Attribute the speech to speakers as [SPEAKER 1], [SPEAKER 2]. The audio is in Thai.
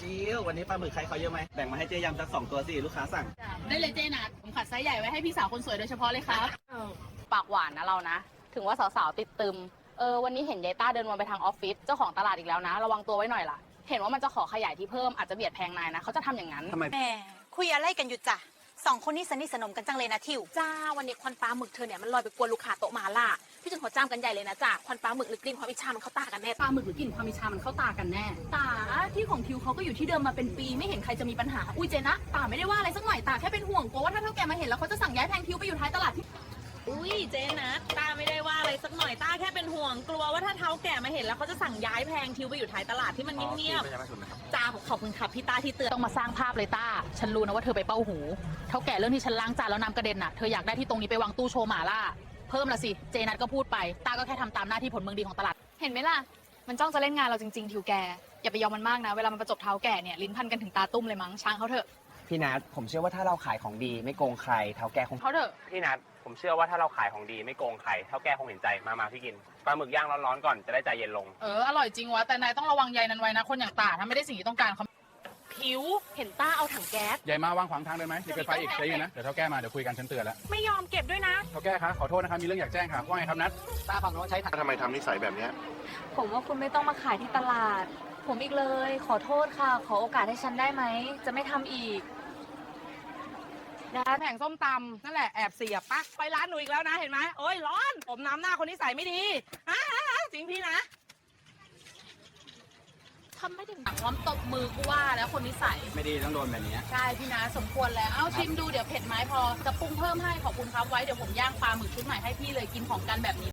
[SPEAKER 1] จิววันนี้ปลาหมึกใครเขาเยอะไหมแบ่งมาให้เจ๊ยำสัก2 ตัวสิลูกค้าสั่ง
[SPEAKER 2] ได้เลยเจนัทผมขัดไซส์ใหญ่ไว้ให้พี่สาวคนสวยโดยเฉพาะเลยครับ
[SPEAKER 3] ปากหวานนะเรานะ ถึงว่าสาวๆติดตึมวันนี้เห็นยายต้าเดินวนไปทางออฟฟิศเจ้าของตลาดอีกแล้วนะ ระวังตัวไว้หน่อยล่ะ เห็นว่ามันจะขอขยายที่เพิ่มอาจจะเบียดแพงนายนะเขาจะทำอย่างนั้น
[SPEAKER 1] ทำไม
[SPEAKER 4] แหมคุยอะไรกันอยู่จ้ะ2 คนนี้สนิทสนมกันจังเลยนะทิว
[SPEAKER 5] จ้าวันนี้ควันปลาหมึกเธอเนี่ยมันลอยไปกวนลูกค้าโต๊ะหมาล่าพี่จนเขาจ้ามกันใหญ่เลยนะจ้าควันปลาหมึกหรือกลิ่นความอิจฉามันเข้าตากันแน่
[SPEAKER 2] ปลาหมึกหรือกลิ่นความอิจฉามันเข้าตากันแน่ตาที่ของทิวเขาก็อยู่ที่เดิมมาเป็นปีไม่เห็นใครจะมีปัญหาอุ้ยเจนะตาไม่ได้ว่าอะไรสักหน่อยตาแค่เป็นห่วงกลัวว่าถ้าเท่าแกมาเห็นแล้วเขาจะสั่งย้ายแพงทิวไปอยู่ท้ายตลาดที่
[SPEAKER 6] อุ้ยเจ๊นะต้าไม่ได้ว่าอะไรสักหน่อยต้าแค่เป็นห่วงกลัวว่าถ้าเท้าแก่มาเห็นแล้วเขาจะสั่งย้ายแพงทิวไปอยู่ท้ายตลาดที่มันเงียบๆจ้าขอบคุณครับพี่ต้าที่เตือน
[SPEAKER 3] ต้องมาสร้างภาพเลยต้าฉันรู้นะว่าเธอไปเป้าหูเท่าแก่เรื่องที่ฉันล้างจานแล้วน้ำกระเด็นน่ะเธออยากได้ที่ตรงนี้ไปวางตู้โชว์หมาล่าเพิ่มละสิเจนัทก็พูดไปต้าก็แค่ทำตามหน้าที่ผลเมืองดีของตลาด
[SPEAKER 7] เห็นไหมล่ะ มันจ้องจะเล่นงานเราจริงๆทิวแก อย่าไปยอมมันมากนะ เวลามันประจบเท้าแก่เนี่ยลิ้นพันกันถึงตาตุ้มเลยมั้งช้างเขาเถอะ
[SPEAKER 8] พี่นัทผมเชื่อว่าถ้าเราขายของดีไม่โกงใครเท่าแก่คง
[SPEAKER 3] เขาเถอะ
[SPEAKER 9] พี่นัทผมเชื่อว่าถ้าเราขายของดีไม่โกงใครเท่าแก่คงเห็นใจมาพี่กินปลาหมึกย่างร้อนๆก่อนจะได้ใจเย็นลง
[SPEAKER 3] อร่อยจริงวะแต่นายต้องระวังใยนั้นไว้นะคนอย่างตาถ้าไม่ได้สิ่งที่ต้องการเขา
[SPEAKER 5] ผิวเห็นต้าเอาถังแก๊ส
[SPEAKER 10] ใหญ่มาวางขวางทางได้ไหมอย่าเกิดไฟอีกใจเย็นนะเดี๋ยวเท่าแก่มาเดี๋ยวคุยกันฉันเตือนแล้ว
[SPEAKER 5] ไม่ยอมเก็บด้วยนะ
[SPEAKER 10] เท่าแก่คะขอโทษนะครับมีเรื่องอยากแจ้งค่ะว่าไงครับนัท
[SPEAKER 8] ตาฝั่งโน้นใช้ถัง
[SPEAKER 11] ทำไมทำนิสัยแบบเนี้ย
[SPEAKER 7] ผมว่าคุณไม่ต้องมาขายที่ตลาด ผมอีกเลย ขอโทษค่ะ ขอโอกาสให้ฉันได้ไหม จะไม่ทำอีก
[SPEAKER 2] แผงส้มตำนั่นแหละแอบเสียบปะไปร้านหนูอีกแล้วนะเห็นไหมโอ้ยร้อนผมน้ำหน้าคนนิสัยไม่ดีจริงพี่นะทำไม่ถึงพร้อมตบมือกูว่าแล้วคนนิสัย
[SPEAKER 1] ไม่ดีต้องโดนแบบนี้
[SPEAKER 2] ใช่พี่นะสมควรแล้วเอาชิมดูเดี๋ยวเผ็ดไหมพอจะปรุงเพิ่มให้ขอบคุณครับไว้เดี๋ยวผมย่างปลาหมึกชุดใหม่ให้พี่เลยกินของกันแบบนี้